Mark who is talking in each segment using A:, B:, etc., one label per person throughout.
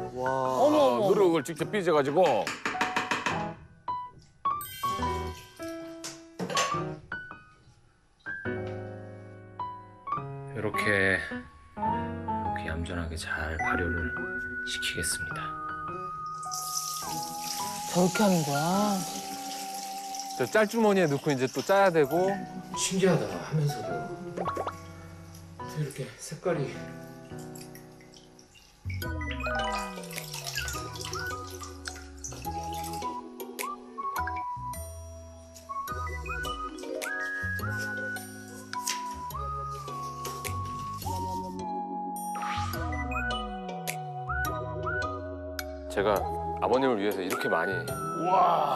A: 누룩을 직접 빚어가지고.
B: 이렇게 얌전하게 잘 발효를 시키겠습니다.
C: 저렇게 하는 거야.
D: 저 짤주머니에 넣고 이제 또 짜야 되고.
B: 신기하다 하면서도 이렇게 색깔이
D: 제가 아버님을 위해서 이렇게 많이.
E: 와.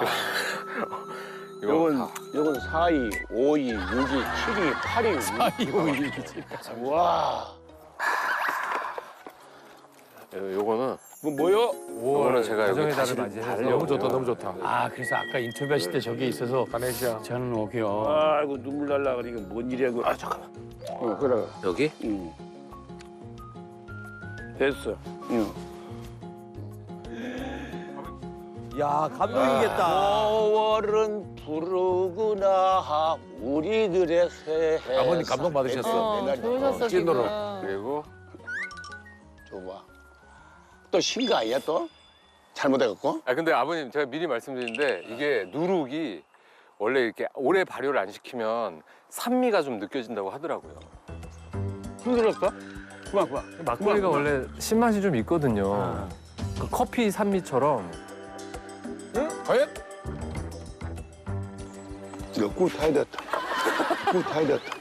E: 요건 4위, 5위, 6위, 7위, 8위.
A: 4위, 5위, 6위.
E: 와.
D: 요거는
E: 뭐요?
D: 요거는 제가 여기
F: 가정의
D: 다시
F: 달을 맞이해서
D: 너무 좋다, 너무 좋다.
A: 아, 그래서 아까 인터뷰하실 때 저기 있어서
D: 가네시아.
A: 저는 오게요.
E: 아이고 눈물 날라 그러니까 뭔 일이야 그. 아 잠깐만. 그래.
D: 여기?
E: 응. 됐어. 응.
F: 야, 감동이겠다.
E: 5월은 부르구나 우리들의 새해.
A: 아버님 감동 받으셨어.
C: 좋으셨어,
D: 찐으로.
C: 지금.
D: 그리고
E: 좋아. 또 신 거 아니야 또? 잘못해갖고?
D: 근데 아버님 제가 미리 말씀드리는데 이게 누룩이 원래 이렇게 오래 발효를 안 시키면 산미가 좀 느껴진다고 하더라고요.
E: 힘들었어? 그만.
F: 막걸리가 원래 신맛이 좀 있거든요. 그 커피 산미처럼.
D: 과연?
E: 이거 꿀 타야 됐다. 꿀 타야 됐다.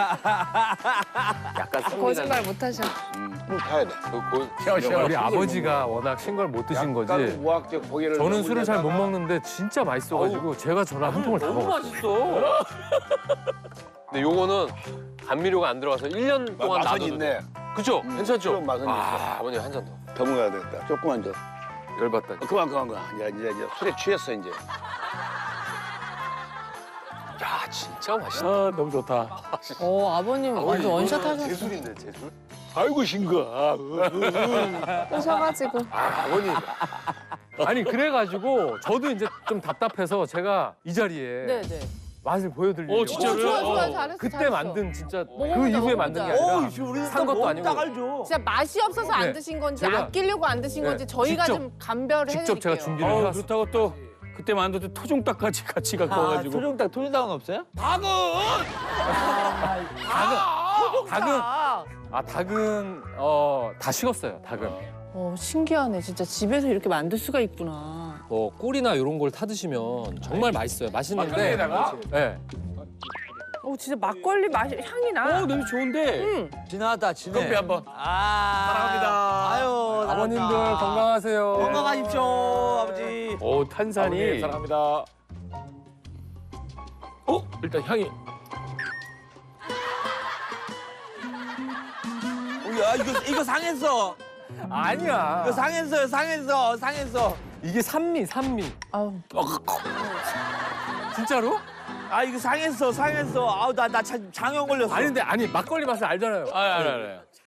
D: 약간 산미가.
C: 거짓말 못 하셔.
E: 꿀 타야 돼.
F: 우리 아버지가 워낙 신 걸 못 드신 거지.
E: 약간 무학적 고개를.
F: 저는 술을 잘 못 먹는데 진짜 맛있어가지고 제가 전화 한 통을 다
D: 너무
F: 먹었어요.
D: 맛있어. 근데 요거는 감미료가 안 들어가서 1년 동안
E: 맛은
D: 놔둬도
E: 있네.
D: 돼. 그죠? 괜찮죠?
E: 그럼 맛은 있어.
D: 아버님 한 잔 더.
E: 더 먹어야 되겠다. 조금만 더.
D: 열받다.
E: 그만. 이제 술에 취했어 이제.
D: 야 진짜 맛있다.
A: 아, 너무 좋다.
C: 아버님 완전 원샷 하셨어.
D: 제술인데 제술?
E: 아이고 싱거.
C: 오셔가지고.
D: 아버님.
F: 아니 그래가지고 저도 이제 좀 답답해서 제가 이 자리에
C: 네네.
F: 맛을 보여드리려고.
A: 진짜로요?
C: 좋아, 잘했어.
F: 그때
C: 잘했어.
F: 만든 진짜
C: 먹어보자,
F: 그 이후에
C: 먹어보자.
F: 만든 게 아니라 산 것도 아니고
C: 진짜 맛이 없어서 안
F: 네.
C: 드신 건지
F: 제가-
C: 아끼려고 안 드신
F: 네.
C: 건지 저희가
F: 직접-
C: 좀 감별을 해드릴게요.
F: 직접 제가 준비를 해왔어요.
A: 그렇다고 또 그때 만든 토종닭까지 같이 갖고 와가지고.
F: 토종닭은 없어요? 닭은 다 식었어요. 닭은.
C: 신기하네. 진짜 집에서 이렇게 만들 수가 있구나.
G: 뭐 꿀이나 이런 걸 타드시면 정말 맛있어요. 맛있는데
D: 막걸리에다가?
G: 네.
C: 진짜 막걸리 맛이 향이 나.
A: 냄새 좋은데.
F: 진하다, 진해.
D: 커피 한번.
F: 사랑합니다. 아유,
G: 아버님들 건강하세요.
F: 건강하십시오, 아버지.
A: 오, 탄산이.
D: 아버님 사랑합니다.
A: 일단 향이.
F: 야, 이거 상했어.
G: 아니야.
F: 이거 상했어.
G: 이게 산미.
C: 아우.
G: 진짜로?
F: 아, 이거 상했어. 아우, 나 장염 걸렸어.
G: 아니 근데 막걸리 맛을 알잖아요.
A: 알아요.